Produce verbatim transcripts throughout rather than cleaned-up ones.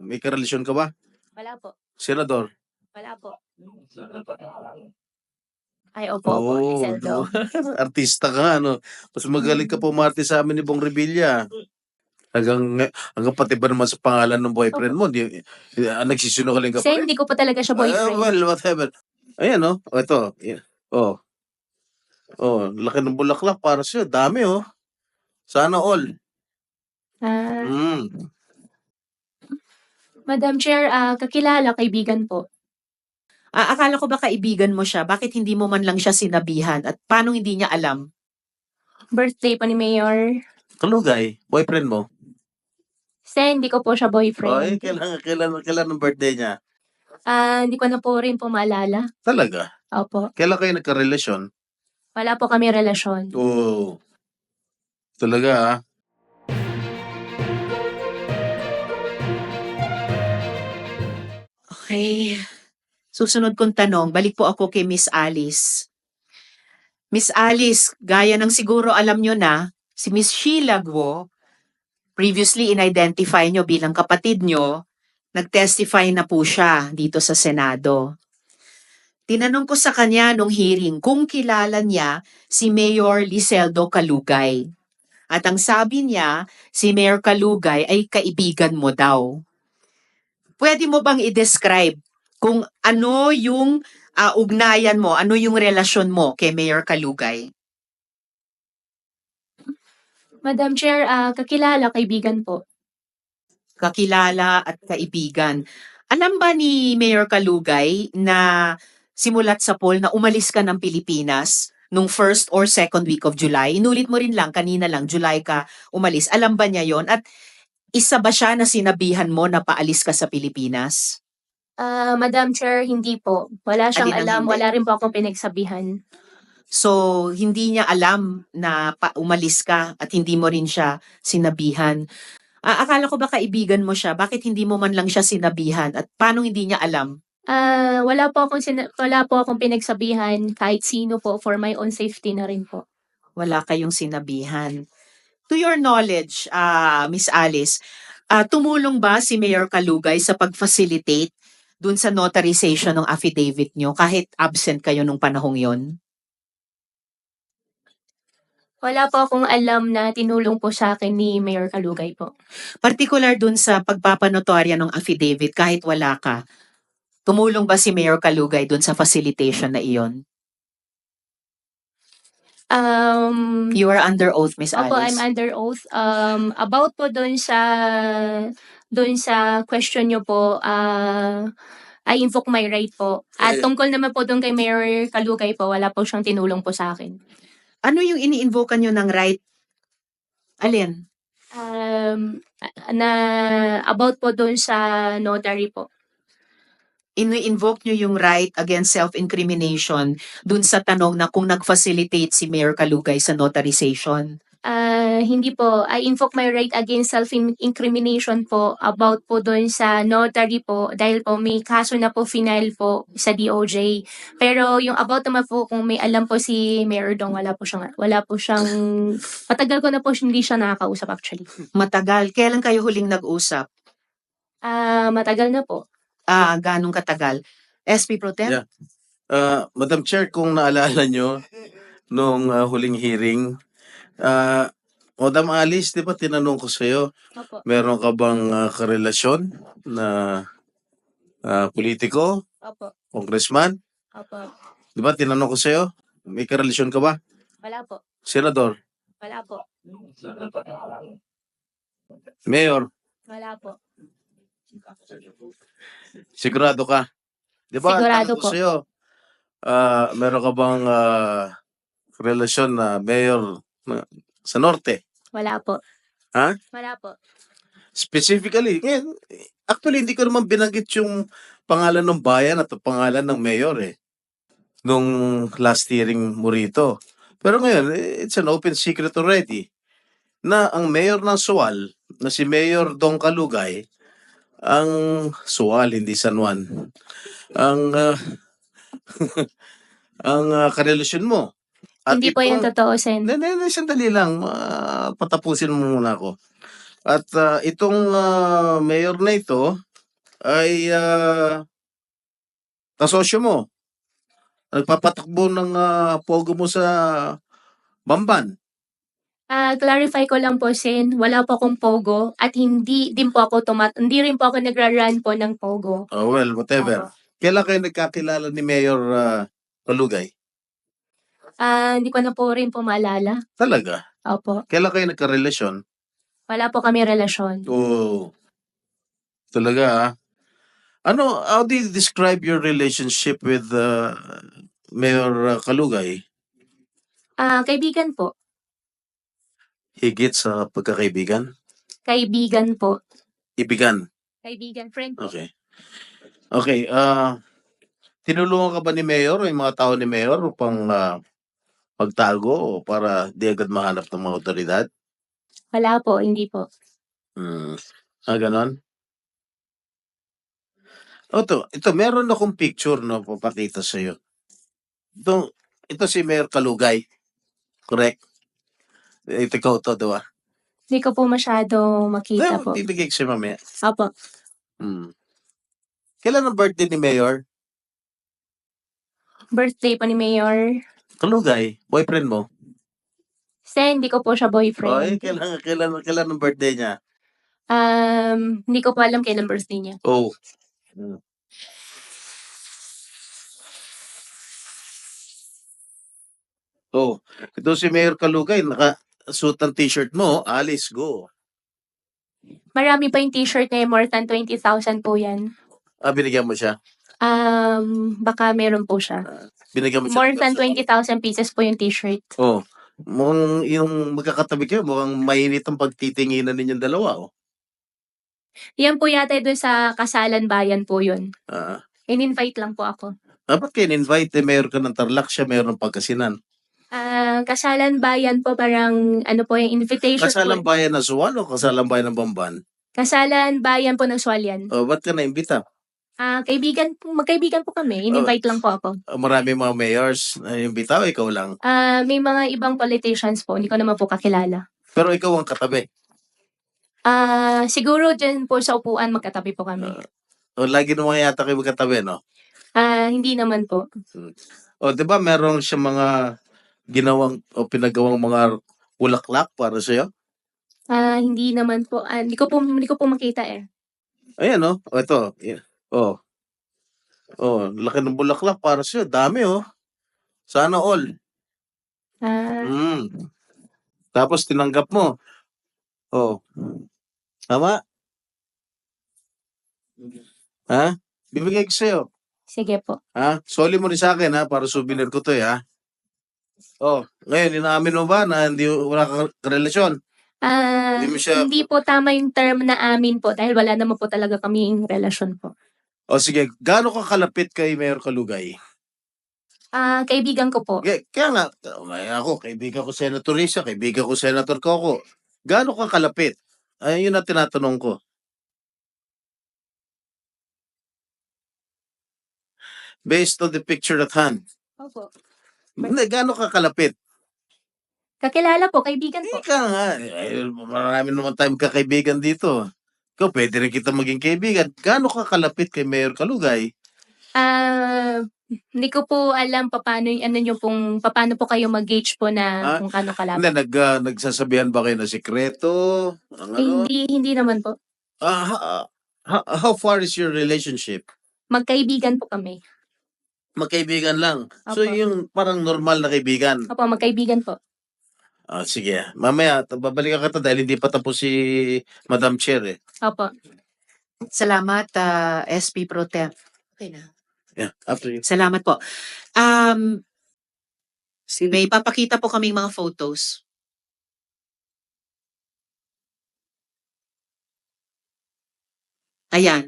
May karelasyon ka ba? Wala po. Senador? Wala po. Ay, opo, opo. Oo, Iseldo. artista ka nga, no? Mas magaling ka pumarte sa amin ni Bong Revilla. Hanggang, hanggang pati ba naman sa pangalan ng boyfriend mo, di, di, ah, nagsisinungaling ka pa Kasi rin? hindi ko po talaga siya Ah, boyfriend. well, whatever. Ayan, no? O, ito. Yeah. Oh. Oh, laki ng bulaklak para sa'yo. Dami, oh. Sana all. Ah, Mm. Madam Chair, ah, kakilala, kaibigan po. Ah, akala ko ba kaibigan mo siya? Bakit hindi mo man lang siya sinabihan? At paano hindi niya alam? Birthday pa ni Mayor. Kalugay, boyfriend mo? Kasi hindi ko po siya Oh, eh, boyfriend. kailan, kailan, kailan ang birthday niya? Ah, hindi ko na po rin po maalala. Talaga? Opo. Kailan kayo nagkarelasyon? Wala po kami relasyon. Oo. Talaga, ah. Okay. Susunod kong tanong, balik po ako kay Miss Alice. Miss Alice, gaya ng siguro alam nyo na, si Miss Sheila Guo, previously in-identify nyo bilang kapatid nyo, nag-testify na po siya dito sa Senado. Tinanong ko sa kanya nung hearing kung kilala niya si Mayor Liseldo Calugay. At ang sabi niya, si Mayor Calugay ay kaibigan mo daw. Pwede mo bang i-describe kung ano yung uh, ugnayan mo, ano yung relasyon mo kay Mayor Calugay? Madam Chair, ah, kakilala, kaibigan po. Kakilala at kaibigan. Alam ba ni Mayor Calugay na simulat sa poll na umalis ka ng Pilipinas nung first or second week of July? Inulit mo rin lang, kanina lang, July ka umalis. Alam ba niya yon? At isa ba siya na sinabihan mo na paalis ka sa Pilipinas? Ah, Madam Chair, hindi po. Wala siyang Alin ang alam. hindi? Wala rin po akong pinagsabihan. So, hindi niya alam na pa umalis ka at hindi mo rin siya sinabihan. Ah, akala ko ba kaibigan mo siya? Bakit hindi mo man lang siya sinabihan? At paano hindi niya alam? Ah, wala po akong sina- wala po akong pinagsabihan kahit sino po, for my own safety na rin po. Wala kayong sinabihan. To your knowledge, ah, Miss Alice, ah, tumulong ba si Mayor Calugay sa pag-facilitate dun sa notarization ng affidavit nyo kahit absent kayo nung panahong yon? Wala po akong alam na tinulong po sa akin ni Mayor Calugay po. Particular dun sa pagpapanotorya ng affidavit kahit wala ka, tumulong ba si Mayor Calugay dun sa facilitation na iyon? Um, You are under oath, Miss Opo, Alice. I'm under oath. Um, about po doon sa doon sa question nyo po, ah I invoke my right po. At Eh. tungkol naman po doon kay Mayor Calugay po, wala po siyang tinulong po sa akin. Ano yung ini-invoke nyo ng right? Alin? Um, na about po doon sa notary po. Ini-invoke nyo yung right against self-incrimination dun sa tanong na kung nag-facilitate si Mayor Calugay sa notarization. Ah, hindi po. I invoke my right against self-incrimination po about po doon sa notary po dahil po may kaso na po final po sa D O J. Pero yung about naman po kung may alam po si Mayor Dong, wala po siyang, wala po siyang, matagal ko na po hindi siya nakakausap actually. Matagal. Kailan kayo huling nag-usap? Ah, matagal na po. Ah, ganong katagal? S P Pro Tem? Yeah. Uh, Madam Chair, kung naalala nyo, nung uh, huling hearing, uh, Madam Alice, di ba tinanong ko sa'yo, Opo. meron ka bang uh, karelasyon na uh, politiko, Opo. congressman? Opo. Di ba tinanong ko sa'yo, may karelasyon ka ba? Wala po. Senador? Wala po. Mayor? Wala po. Sigurado ka? Di ba, Sigurado tanong ko po. sa'yo, uh, meron ka bang uh, relasyon na mayor na, sa Norte? Wala po. Ha? Wala po. Specifically, ngayon, actually hindi ko naman binanggit yung pangalan ng bayan at pangalan ng mayor eh. Nung last hearing mo rito. Pero ngayon, it's an open secret already na ang mayor ng Sual, na si Mayor Dong Calugay, ang Sual, hindi San Juan, ang uh, ang uh, karelasyon mo. At Hindi po yan itong- totoo, Sen. Hindi, hindi, sandali lang. Uh, patapusin mo muna ako. At uh, itong uh, mayor na ito, ay ah, kasosyo mo. Nagpapatakbo ng ah, pogo mo sa Bamban. Ah, clarify ko lang po, Sen, wala po akong pogo at hindi din po ako tumat hindi rin po ako nagra-run po ng pogo. Oh, well, whatever. Opo. Kailan kayo nagkakilala ni Mayor ah, Kalugay? Ah, hindi ko na po rin po maalala. Talaga? Opo. Kailan kayo nagkarelasyon? Wala po kami relasyon. Oh, talaga ah. Ano, how do you describe your relationship with uh, Mayor uh, Kalugay? Ah, kaibigan po. Higit sa pagkakaibigan? Kaibigan po. Ibigan. Kaibigan, friend po. Okay. Okay, ah tinulungan ka ba ni Mayor o yung mga tao ni Mayor upang ah, magtago o para di agad mahanap ng mga otoridad? Wala po, hindi po. Hmm. Ah, ganon? O to, ito, meron akong picture na papakita sa'yo. Ito, ito si Mayor Kalugay. Correct? Ito ikaw to, diba? Hindi ko po masyado makita Well, po. bibigay ko siya mamaya. Opo. Hmm. Kailan ang birthday ni Mayor? Birthday po ni Mayor. Kalugay, boyfriend mo? Sen, hindi ko po siya O, eh, boyfriend. kailan, kailan, kailan ang birthday niya? Um, hindi ko po alam kailan birthday niya. Oh. Hmm. Oh, ito si Mayor Kalugay, naka-suit ang t-shirt mo, Alice, go. Marami pa yung t-shirt niya, more than twenty thousand po yan. Ah, binigyan mo siya? Um, baka meron po siya. Binigyan mo siya? More than twenty thousand pieces po yung t-shirt. Oh, mukhang yung magkakatabi kayo, mukhang mainit ang pagtitinginan ninyong dalawa, oh. Yan po yata doon sa Kasalan Bayan po yun. Ah, In-invite lang po ako. ah, ba't kayo invite Eh, mayor ka ng Tarlac, siya mayor ng Pangasinan. Ah, Kasalan Bayan po parang ano po yung invitation Kasalang po. bayan ng Suwan o kasalang bayan ng Bamban? Kasalan Bayan po ng Swalyan. Oh, ba't ka na-imbita? Ah, kaibigan po, magkaibigan po kami. In-invite lang po ako. Ah, marami mga mayors na imbita o ikaw lang? Ah, may mga ibang politicians po, hindi ko naman po kakilala. Pero ikaw ang katabi. Ah, siguro dyan po sa upuan magkatabi po kami. O, lagi naman yata kayo magkatabi, no? Ah, hindi naman po. O, di ba meron siya mga ginawang o pinagawang mga bulaklak para sa'yo? Ah, hindi naman po. Ah, hindi ko po hindi ko po makita eh. Ayan, no? O, ito. Yeah. O. O, laki ng bulaklak para sa'yo. Dami, oh. Sana all. Ah, Mm. Tapos tinanggap mo. O. Tama? Ha? Bibigay ko sa'yo. sige po. Ha? Soli mo rin sa akin, ha? Para souvenir ko to, eh, ha? Oh, ngayon, inaamin mo ba na hindi wala kang relasyon? Ah, Hindi mo siya- hindi po tama yung term na amin po dahil wala naman po talaga kaming relasyon po. O sige, gaano ka kalapit kay Mayor Kalugay? Ah, kaibigan ko po. Kaya, kaya nga, may ako, kaibigan ko Senator Risa, kaibigan ko Senator Coco. Gaano ka kalapit? Ayun yun ang tinatanong ko. Based on the picture at hand. Opo. Hindi, gaano ka kalapit? Kakilala po, kaibigan po. Ika nga, eh, marami naman tayong kakaibigan dito. Ikaw, pwede rin kita maging kaibigan. Gaano ka kalapit kay Mayor Kalugay? Ah, hindi ko po alam paano yung ano yung pong paano po kayo mag-gauge po na Ah, kung kano Hindi, kalapit. nag, ah, nagsasabihan ba kayo na sikreto? Ang Eh, ano? hindi hindi naman po. Ah, ha- ha- how far is your relationship? Magkaibigan po kami. Magkaibigan lang. So, Opo. yung parang normal na kaibigan. Opo, magkaibigan po. Ah, sige. Mamaya, t- babalikan ka to dahil hindi pa tapos si Madam Chair eh. Opo. Salamat, ah, S P Pro Tem. Okay na. Yeah, after you. Salamat po. Um, may papakita po kaming mga photos. Ayan.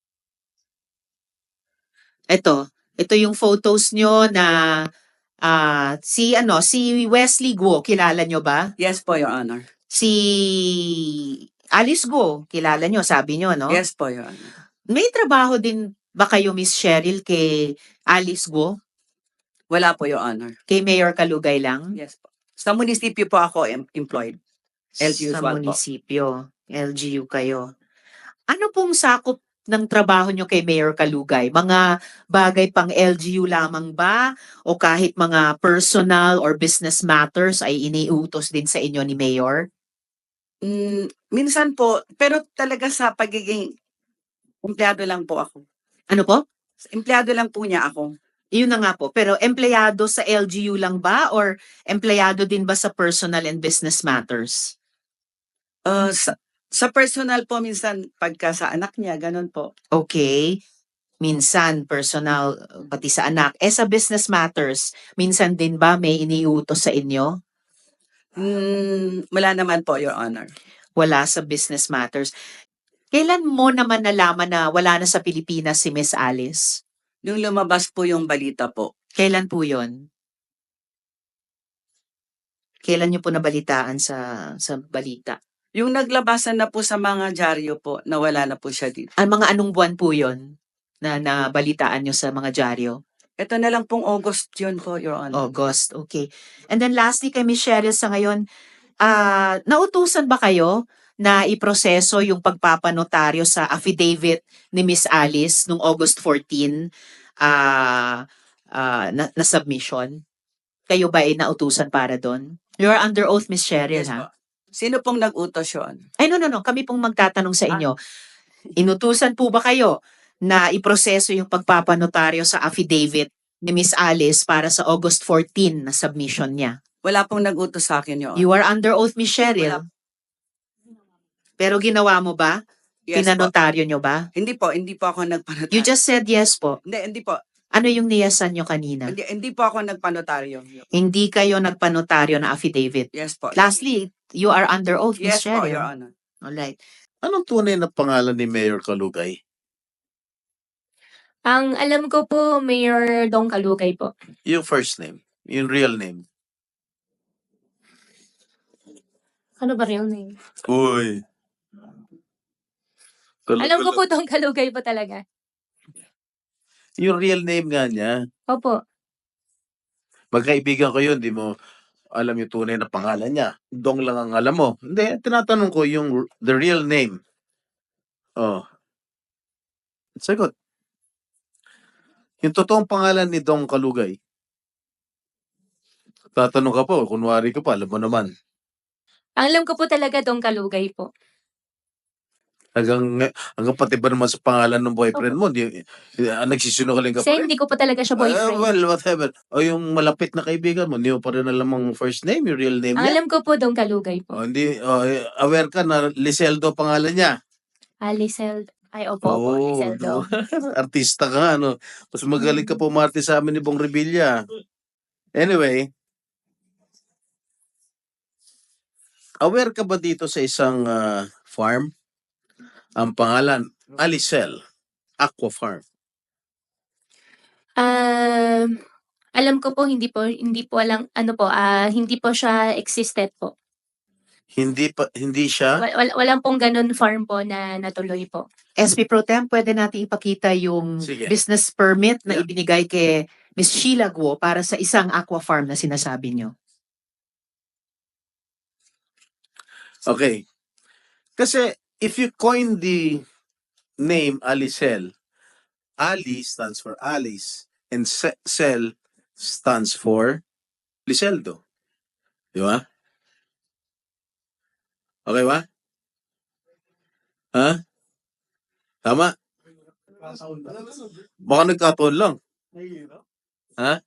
Ito. Ito yung photos nyo na ah, si ano si Wesley Guo, kilala nyo ba? Yes po, Your Honor. Si Alice Guo, kilala nyo, sabi nyo, no? Yes po, Your Honor. May trabaho din ba kayo, Miss Cheryl, kay Alice Guo? Wala po, Your Honor. Kay Mayor Kalugay lang? Yes po. Sa munisipyo po ako em- employed. L G U Sa one po. munisipyo. L G U kayo. Ano pong sakop ng trabaho nyo kay Mayor Kalugay? Mga bagay pang L G U lamang ba? O kahit mga personal or business matters ay iniutos din sa inyo ni Mayor? Mm, minsan po, pero talaga sa pagiging empleyado lang po ako. Ano po? Empleyado lang po niya ako. Yun na nga po. Pero empleyado sa L G U lang ba or empleyado din ba sa personal and business matters? Uh, sa, sa personal po, minsan pagka sa anak niya, ganun po. Okay. Minsan personal, pati sa anak. Eh sa business matters, minsan din ba may iniutos sa inyo? Mm, wala naman po, Your Honor. Wala sa business matters. Kailan mo naman nalaman na wala na sa Pilipinas si Miss Alice? Yung lumabas po yung balita po. Kailan po yon? Kailan niyo po nabalitaan sa sa balita? Yung naglabasan na po sa mga dyaryo po, na wala na po siya dito. Ang mga anong buwan po yon na nabalitaan niyo sa mga dyaryo? Ito na lang pong August yun po, Your Honor. August, okay. And then lastly kay Miss Cheryl sa ngayon, ah nautusan ba kayo na iproseso yung pagpapanotaryo sa affidavit ni Miss Alice nung August fourteen ah ah, na, na submission? Kayo ba ay nautusan para doon? You're under oath, Miss Cheryl, Yes ha? po. Sino pong nag-utos yun? Ay, no, no, no. Kami pong magtatanong sa inyo. Inutusan po ba kayo na iproseso yung pagpapanotaryo sa affidavit ni Miss Alice para sa August fourteen na submission niya? Wala pong nag-utos sa akin, Your Honor. You are under oath, Miss Cheryl. Wala. Pero ginawa mo ba? Yes po. Pinanotaryo nyo ba? Hindi po, hindi po ako nagpanotaryo. You just said yes po. Hindi, hindi po. Ano yung niyasan nyo kanina? Hindi, hindi po ako nagpanotaryo. Hindi kayo nagpanotaryo na affidavit. Yes po. Lastly, you are under oath, Miss Yes po, Cheryl. Your Honor. Alright. Anong tunay na pangalan ni Mayor Kalugay? Ang alam ko po, Mayor Dong Kalugay po. Yung first name, yung real name. Ano ba real name? Uy. Alam ko po Dong Kalugay po talaga. Yung real name nga niya. Opo. Magkaibigan ko yun, di mo alam yung tunay na pangalan niya. Dong lang ang alam mo. Hindi, tinatanong ko yung the real name. Oh. Sagot. Yung totoong pangalan ni Dong Kalugay. Tatanong ka po, kunwari ka pa, alam mo naman. Ang alam ko po talaga Dong Kalugay po. Hanggang, hanggang pati ba naman sa pangalan ng boyfriend mo, di, di, ah, nagsisinungaling ka Kasi pa rin. hindi ko po talaga siya Ah, boyfriend. well, whatever. O yung malapit na kaibigan mo, hindi mo pa rin alam ang first name, yung real name Ang niya. alam ko po Dong Kalugay po. O, hindi, o, eh, aware ka na Liseldo pangalan niya. Alisel. Ay, opo, opo. Oo, Liseldo. no? Artista ka nga, no? Mas magaling ka pumarte sa amin ni Bong Revilla. Anyway, aware ka ba dito sa isang ah, farm? Ang pangalan, Alicel Aqua Farm. Um, alam ko po hindi po hindi po alam ano po ah hindi po siya existed po. Hindi pa hindi siya Wal, wal, walang pong ganun farm po na natuloy po. S P Pro Tem, pwede natin ipakita yung Sige. business permit na Yeah. ibinigay kay Miss Sheila Guo para sa isang aqua farm na sinasabi nyo. Okay. Kasi if you coin the name Alicel, Ali stands for Alice and Se- Cel stands for Liseldo. Di ba? Okay ba? Ha? Tama? Baka nagkataon lang. Ha?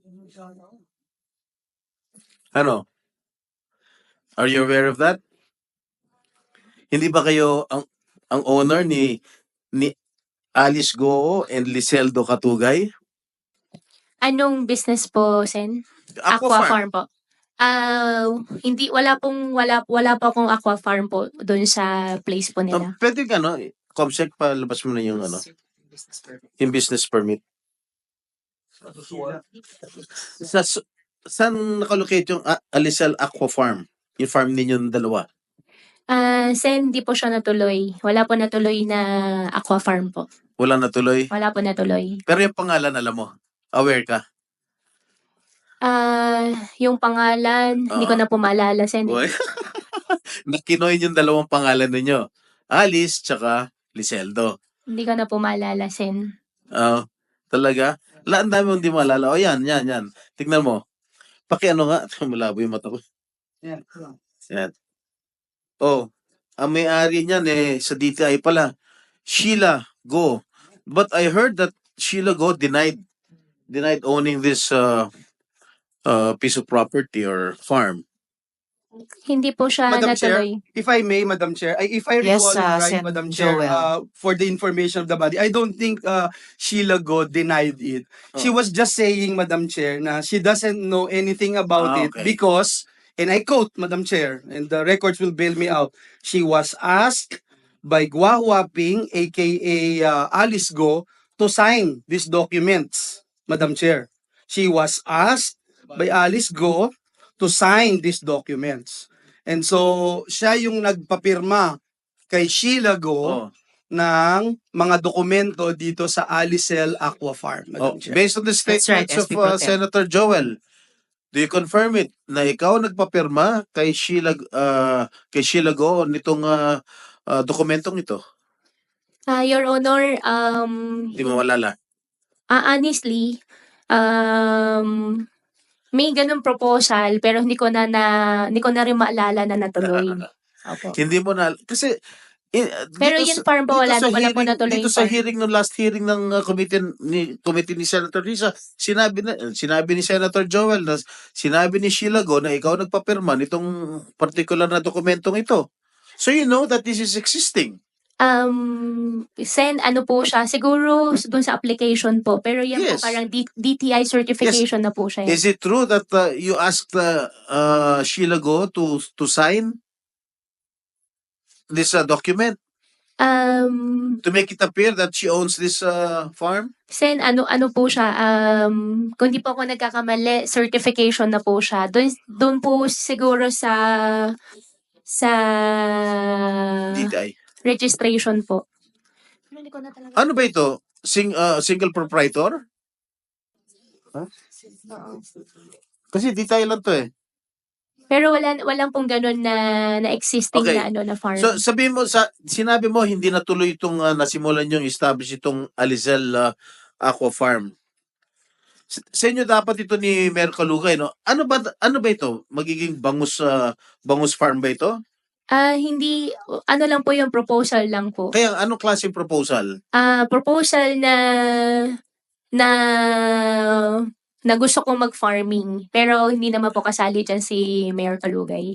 Ano? Are you aware of that? Hindi ba kayo ang ang owner ni ni Alice Goo and Liseldo Katugay? Anong business po, Sen? Aqua Farm. po. Ah, hindi wala pong wala wala pa akong aqua farm po doon sa place po Um, nila. pwede ka, no? Comsec, palabas mo na yung, ano, yung business permit. Sa, s- saan nakalocate yung A- Alicel Aqua Farm? Yung farm ninyong dalawa? Ah, Sen, hindi po siya natuloy. Wala po natuloy na aqua farm po. Wala natuloy? Wala po natuloy. Pero yung pangalan, alam mo? Aware ka? Ah, yung pangalan, hindi ko Ah. na po maalala, Sen. Boy. Nakinoy yung dalawang pangalan ninyo. Alice tsaka Liseldo. Hindi ko na po maalala, Sen. Ah, talaga? La, ang dami mong di maalala. O yan, yan, yan. Tignan mo. Paki ano nga. Malabo yung mata ko. Yan. Yan. Oh, ang may-ari niyan eh, sa D T I pala. Sheila Go. But I heard that Sheila Go denied denied owning this uh, uh, piece of property or farm. Hindi po siya Madam Chair, natuloy. if I may, Madam Chair, I, if I Yes, recall uh, it right, Sen. Madam Chair, Joel. uh, for the information of the body, I don't think uh, Sheila Go denied it. She Oh. was just saying, Madam Chair, na she doesn't know anything Ah, about it okay. because, and I quote, Madam Chair, and the records will bail me out, she was asked by Gua Huaping, aka uh, Alice Go, to sign these documents, Madam Chair. She was asked by Alice Go to sign these documents. And so, siya yung nagpapirma kay Sheila Oh. Go ng mga dokumento dito sa Alicel Aqua Farm, Oh, Madam Chair. based on the That's right, statements S of P uh, Pro Tem. Senator Joel, do you confirm it na ikaw nagpapirma kay Sheila uh, kay Sheila Go nitong uh, uh, dokumentong ito? Ah, Your Honor, um, Hindi mo malala. ah, honestly, um, may ganung proposal pero hindi ko na, na hindi ko na rin maalala na natuloy. Opo. Hindi mo na kasi eh, Pero dito yung sa- farm po, dito wala, sa wala po hearing- natuloy Dito yung sa farm. hearing ng last hearing ng uh, committee ni committee ni Senator Risa, sinabi na sinabi ni Senator Joel na sinabi ni Sheila Go na ikaw nagpapirma nitong particular na dokumentong ito. So you know that this is existing. Um, Sen, ano po siya, siguro dun sa application po, pero yan Yes. po parang D- DTI certification na po siya. Is it true that uh, you asked uh, uh, Sheila Go to to sign this uh, document Um, to make it appear that she owns this uh, farm? Sen, ano ano po siya, um, kung di po ako nagkakamali, certification na po siya. Doon doon po siguro sa sa D T I. registration po. Pero hindi ko na talaga. Ano ba ito? Sing, uh, single proprietor? Huh? Kasi D T I lang to eh. Pero wala walang pong ganun na na existing Okay. na ano na farm. So sabihin mo sa sinabi mo hindi natuloy itong uh, nasimulan yung establish itong Alizal uh, Aqua Farm. S- Sa inyo dapat ito ni Mayor Calugay, no? Ano ba ano ba ito? Magiging bangus uh, bangus farm ba ito? Ah, hindi ano lang po yung proposal lang po. Kaya anong klaseng proposal? Ah, proposal na na na gusto kong mag-farming pero hindi naman po kasali diyan si Mayor Calugay.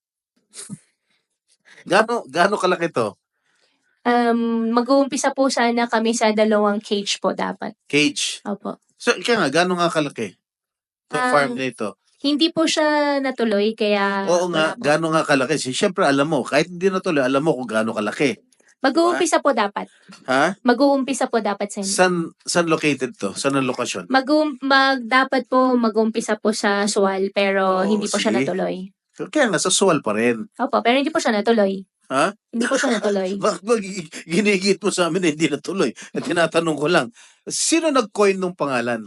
Gaano gaano kalaki to? Um, mag-uumpisa po sana kami sa dalawang cage po dapat. Cage. Opo. So kaya nga gaano nga kalaki? Itong Ah, farm na ito. Hindi po siya natuloy kaya Oo nga, wala po. gaano nga kalaki? Siyempre alam mo, kahit hindi natuloy, alam mo kung gaano kalaki. Mag-uumpisa po dapat. Ha? Mag-uumpisa po dapat sa San san located to? Saan ang lokasyon? mag mag dapat po mag-umpisa po sa Sual pero Oo, hindi po siya sige. natuloy. Kaya nga, sa Sual pa rin. Opo, pero hindi po siya natuloy. Ha? Hindi po siya natuloy. Bakit ba gi- ginigit mo sa amin na hindi natuloy? At tinatanong ko lang, sino nag-coin ng pangalan?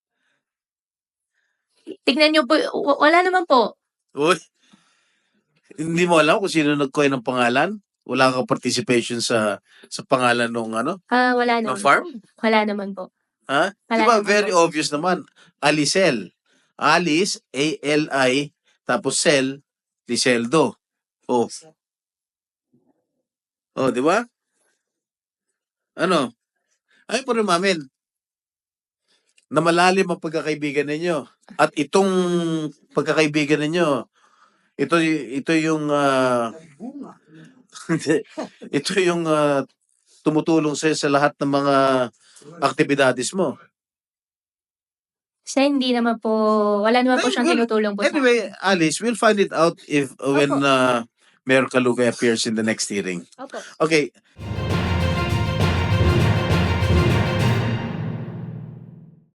Tignan niyo po, w- wala naman po. Uy, hindi mo alam kung sino nag-coin ng pangalan? Wala kang participation sa sa pangalan ng ano, Ah, wala ng naman. farm? Wala naman po. Ha? Wala Di ba naman very po. obvious naman. Alicel. Alice, A L I, tapos Cel, Liceldo. Oh. Oh, di ba? Ano? Ay po rin mamin, na malalim ang pagkakaibigan ninyo. At itong pagkakaibigan ninyo, ito y- ito yung ah, ito yung ah, tumutulong sa sa lahat ng mga aktibidades mo. Sa hindi naman po, wala naman po Well, siyang well, tinutulong po sa Anyway, Alice, we'll find it out if when Opo. uh, Mayor Calugay appears in the next hearing. Opo. Okay.